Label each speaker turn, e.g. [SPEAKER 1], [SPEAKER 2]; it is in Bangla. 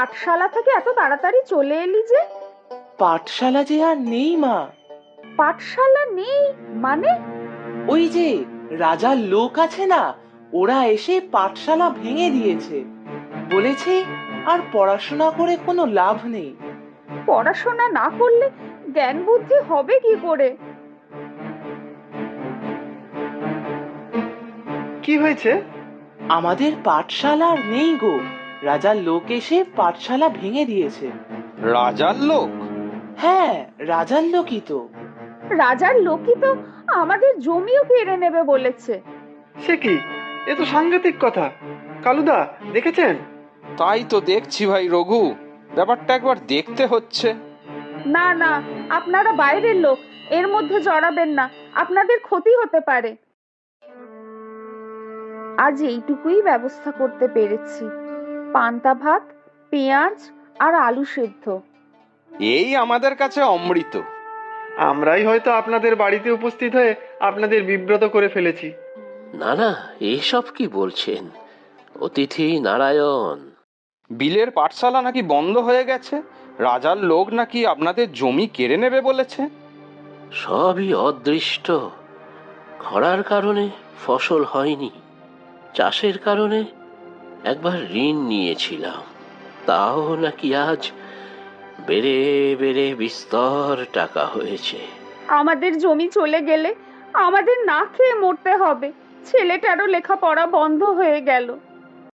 [SPEAKER 1] পাঠশালা থেকে এত তাড়াতাড়ি চলে এলি যে?
[SPEAKER 2] পাঠশালা যে আর নেই মা।
[SPEAKER 1] পাঠশালা নেই মানে?
[SPEAKER 2] ওই যে রাজার লোক আছে না, ওরা এসে পাঠশালা ভেঙে দিয়েছে। বলেছে আর পড়াশোনা করে কোনো লাভ নেই।
[SPEAKER 1] পড়াশোনা না করলে জ্ঞান বুদ্ধি হবে কি করে?
[SPEAKER 3] কি হয়েছে?
[SPEAKER 2] আমাদের পাঠশালা আর নেই গো। রাজার লোক এসে পাঠশালা ভেঙে দিয়েছে।
[SPEAKER 4] রাজার লোক?
[SPEAKER 2] হ্যাঁ, রাজার লোকই তো।
[SPEAKER 1] রাজার লোকই তো আমাদের জমিও কেড়ে নেবে বলেছে।
[SPEAKER 3] সে কি? এ তো সাংঘাতিক কথা। কালুদা, দেখেছেন?
[SPEAKER 4] তাই তো দেখছি ভাই রঘু, ব্যাপারটা একবার দেখতে হচ্ছে।
[SPEAKER 1] না না, আপনারা বাইরের লোক, এর মধ্যে জড়াবেন না, আপনাদের ক্ষতি হতে পারে। আজ এইটুকুই ব্যবস্থা করতে পেরেছি, পান্তা ভাত, পেঁয়াজ আর আলু সেদ্ধ।
[SPEAKER 4] এই আমাদের কাছে অমৃত।
[SPEAKER 3] আমরাই হয়তো আপনাদের বাড়িতে উপস্থিত হয়ে আপনাদের বিব্রত করে ফেলেছি।
[SPEAKER 5] না না, এসব কি বলছেন? অতিথি নারায়ণ।
[SPEAKER 4] বিলের পাঠশালা নাকি বন্ধ হয়ে গেছে, রাজার লোক নাকি আপনাদের জমি কেড়ে নেবে বলেছে।
[SPEAKER 5] সবই অদৃষ্ট। খরার কারণে ফসল হয়নি, চাষের কারণে একবার ঋণ নিয়েছিলাম, তাও নাকি আজ বেড়ে বেড়ে বিস্তর টাকা হয়েছে।
[SPEAKER 1] আমাদের জমি চলে গেলে আমাদের না খেয়ে মরতে হবে। ছেলেটারও লেখাপড়া বন্ধ হয়ে গেল।